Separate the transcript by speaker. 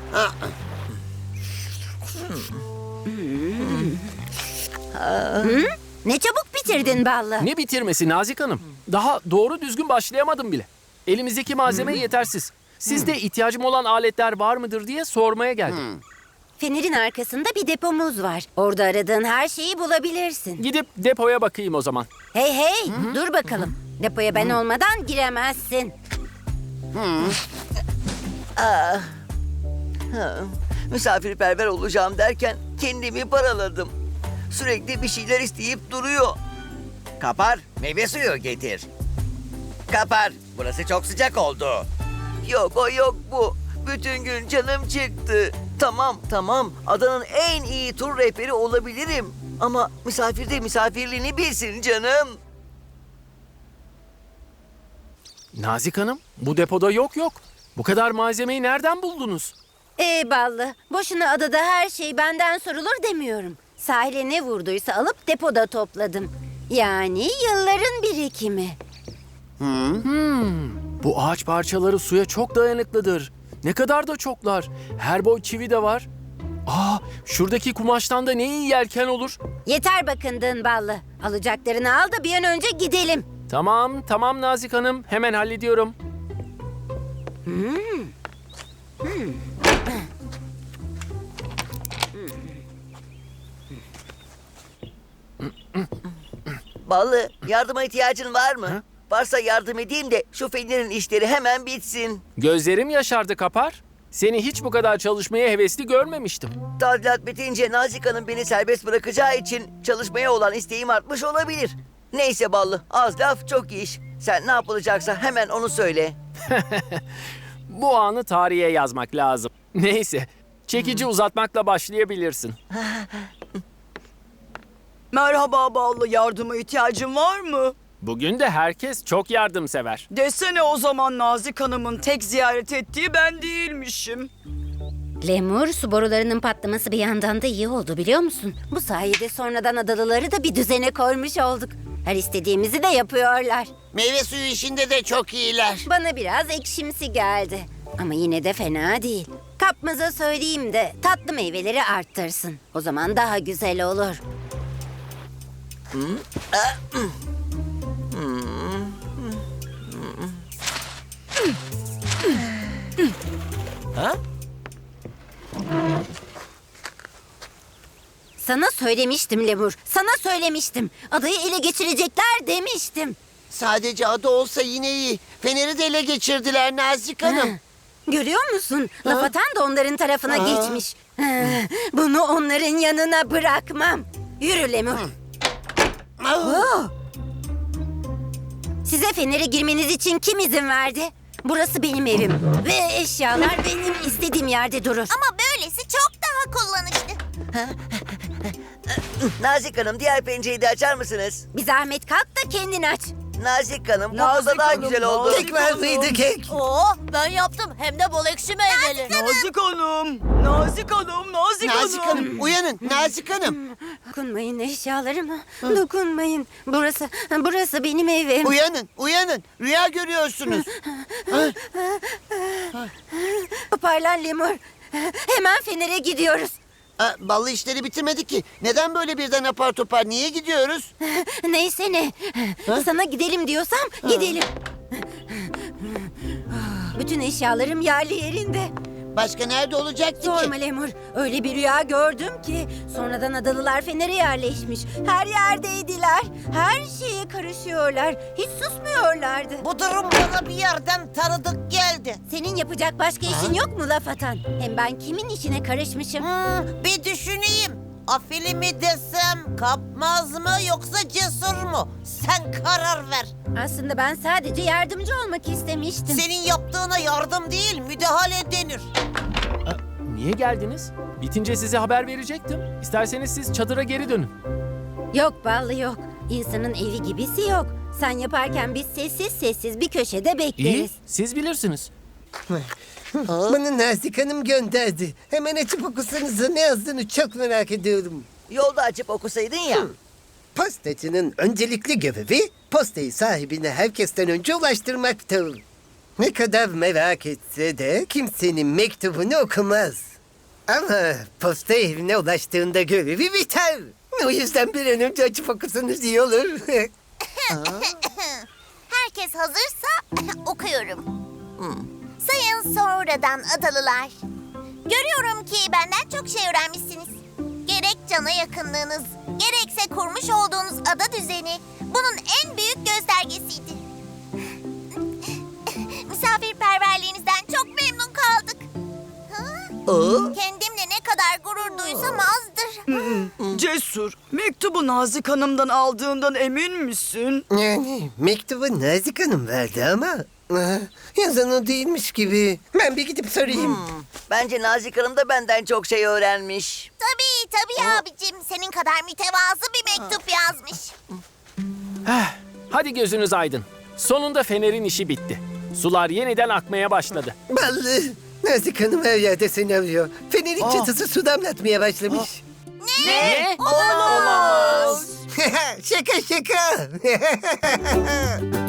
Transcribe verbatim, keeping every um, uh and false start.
Speaker 1: Ne çabuk bitirdin Ballı.
Speaker 2: Ne bitirmesi Nazik Hanım? Daha doğru düzgün başlayamadım bile. Elimizdeki malzeme yetersiz. Sizde ihtiyacım olan aletler var mıdır diye sormaya geldim.
Speaker 1: Fenerin arkasında bir depomuz var. Orada aradığın her şeyi bulabilirsin.
Speaker 2: Gidip depoya bakayım o zaman.
Speaker 1: Hey hey, dur bakalım. Depoya ben olmadan giremezsin.
Speaker 3: Misafirperver olacağım derken kendimi paraladım. Sürekli bir şeyler isteyip duruyor. Kapar, meyve suyu getir. Kapar, burası çok sıcak oldu. Yok o yok bu. Bütün gün canım çıktı. Tamam tamam, adanın en iyi tur rehberi olabilirim. Ama misafir de misafirliğini bilsin canım.
Speaker 2: Nazik Hanım, bu depoda yok yok. Bu kadar malzemeyi nereden buldunuz?
Speaker 1: Ee Ballı, boşuna adada her şey benden sorulur demiyorum. Sahile ne vurduysa alıp depoda topladım. Yani yılların birikimi.
Speaker 2: Bu ağaç parçaları suya çok dayanıklıdır. Ne kadar da çoklar. Her boy çivi de var. Aa, şuradaki kumaştan da ne iyi yelken olur.
Speaker 1: Yeter bakındığın Ballı. Alacaklarını al da bir an önce gidelim.
Speaker 2: Tamam, tamam Nazik Hanım. Hemen hallediyorum.
Speaker 3: Ballı, yardıma ihtiyacın var mı?
Speaker 2: Ha?
Speaker 3: Varsa yardım edeyim de şu Fener'in işleri hemen bitsin.
Speaker 2: Gözlerim yaşardı Kapar. Seni hiç bu kadar çalışmaya hevesli görmemiştim.
Speaker 3: Tadilat bitince Nazik Hanım beni serbest bırakacağı için çalışmaya olan isteğim artmış olabilir. Neyse Ballı, az laf çok iş. Sen ne yapılacaksa hemen onu söyle.
Speaker 2: Bu anı tarihe yazmak lazım. Neyse, çekici uzatmakla başlayabilirsin.
Speaker 4: Merhaba Ballı, yardıma ihtiyacın var mı?
Speaker 2: Bugün de herkes çok yardımsever.
Speaker 4: Desene o zaman Nazik Hanım'ın tek ziyaret ettiği ben değilmişim.
Speaker 1: Lemur, su borularının patlaması bir yandan da iyi oldu biliyor musun? Bu sayede sonradan adalıları da bir düzene koymuş olduk. Her istediğimizi de yapıyorlar.
Speaker 5: Meyve suyu işinde de çok iyiler.
Speaker 1: Bana biraz ekşimsi geldi. Ama yine de fena değil. Kapmaza söyleyeyim de tatlı meyveleri arttırsın. O zaman daha güzel olur. Sana söylemiştim Lemur. Sana söylemiştim. Adayı ele geçirecekler demiştim.
Speaker 5: Sadece adı olsa yine iyi. Feneri de ele geçirdiler Nazik Hanım.
Speaker 1: Görüyor musun? Laf atan da onların tarafına geçmiş. Ha, Bunu onların yanına bırakmam. Yürü Lemur. Oo. Size Fener'e girmeniz için kim izin verdi? Burası benim evim. Ve eşyalar benim istediğim yerde durur.
Speaker 6: Ama böylesi çok daha kullanışlı.
Speaker 3: Nazik Hanım, diğer pencereyi de açar mısınız?
Speaker 1: Bir zahmet kalk da kendin aç.
Speaker 3: Nazik Hanım, bu
Speaker 4: Nazik
Speaker 3: oda daha
Speaker 4: Hanım,
Speaker 3: güzel oldu.
Speaker 4: Nazik Hanım.
Speaker 5: kek?
Speaker 6: Oo, ben yaptım. Hem de bol ekşi meyveli.
Speaker 4: Nazik Hanım, Nazik Hanım, Nazik,
Speaker 5: Nazik Hanım uyanın Nazik Hanım.
Speaker 1: Dokunmayın eşyalarıma. Dokunmayın. Burası, burası benim evim.
Speaker 5: Uyanın uyanın. Rüya görüyorsunuz.
Speaker 1: Toparlan Lemur. Hemen Fener'e gidiyoruz.
Speaker 5: Aa, ballı işleri bitirmedi ki. Neden böyle birden apar topar? Niye gidiyoruz?
Speaker 1: Neyse ne. Sana gidelim diyorsam gidelim. Bütün eşyalarım yerli yerinde.
Speaker 5: Başka nerede olacaktı
Speaker 1: Sorma
Speaker 5: ki?
Speaker 1: Lemur. Öyle bir rüya gördüm ki. Sonradan adalılar Fener'e yerleşmiş. Her yerdeydiler. Her şeye karışıyorlar. Hiç susmuyorlardı.
Speaker 6: Bu durum bana bir yerden tanıdık geldi.
Speaker 1: Senin yapacak başka işin yok mu laf atan? Hem ben kimin işine karışmışım?
Speaker 6: Hmm, bir düşüneyim. Afili mi desem, kapmaz mı yoksa cesur mu? Sen karar ver.
Speaker 1: Aslında ben sadece yardımcı olmak istemiştim.
Speaker 6: Senin yaptığına yardım değil, müdahale denir.
Speaker 2: Niye geldiniz? Bitince size haber verecektim. İsterseniz siz çadıra geri dönün.
Speaker 1: Yok Ballı yok. İnsanın evi gibisi yok. Sen yaparken biz sessiz sessiz bir köşede
Speaker 2: İyi,
Speaker 1: bekleriz.
Speaker 2: siz bilirsiniz.
Speaker 7: Bana Nazik Hanım gönderdi. Hemen açıp okusanıza ne yazdığını çok merak ediyorum.
Speaker 3: Yolda açıp okusaydın ya.
Speaker 7: Postacının öncelikli görevi postayı sahibine herkesten önce ulaştırmaktır. Ne kadar merak etse de kimsenin mektubunu okumaz. Ama posta evine ulaştığında görevi biter. O yüzden bir an önce açıp okusanız iyi olur.
Speaker 8: Herkes hazırsa okuyorum. Sayın sonradan adalılar. Görüyorum ki benden çok şey öğrenmişsiniz. Gerek cana yakınlığınız, gerekse kurmuş olduğunuz ada düzeni bunun en büyük göstergesiydi. Misafirperverliğinizden çok memnun kaldık. Ha? Kendimle ne kadar gurur duysam azdır.
Speaker 4: Cesur, mektubu Nazik Hanım'dan aldığından emin misin?
Speaker 7: Yani mektubu Nazik Hanım verdi ama ah, yazan o değilmiş gibi. Ben bir gidip sorayım.
Speaker 3: Bence Nazik Hanım da benden çok şey öğrenmiş.
Speaker 8: Tabii tabii abicim. Senin kadar mütevazı bir mektup yazmış.
Speaker 2: Hadi gözünüz aydın. Sonunda Fener'in işi bitti. Sular yeniden akmaya başladı.
Speaker 7: Ballı. Nazik Hanım her yerde seni arıyor. Fener'in çatısı su damlatmaya başlamış.
Speaker 2: Ne?
Speaker 7: Şaka şaka.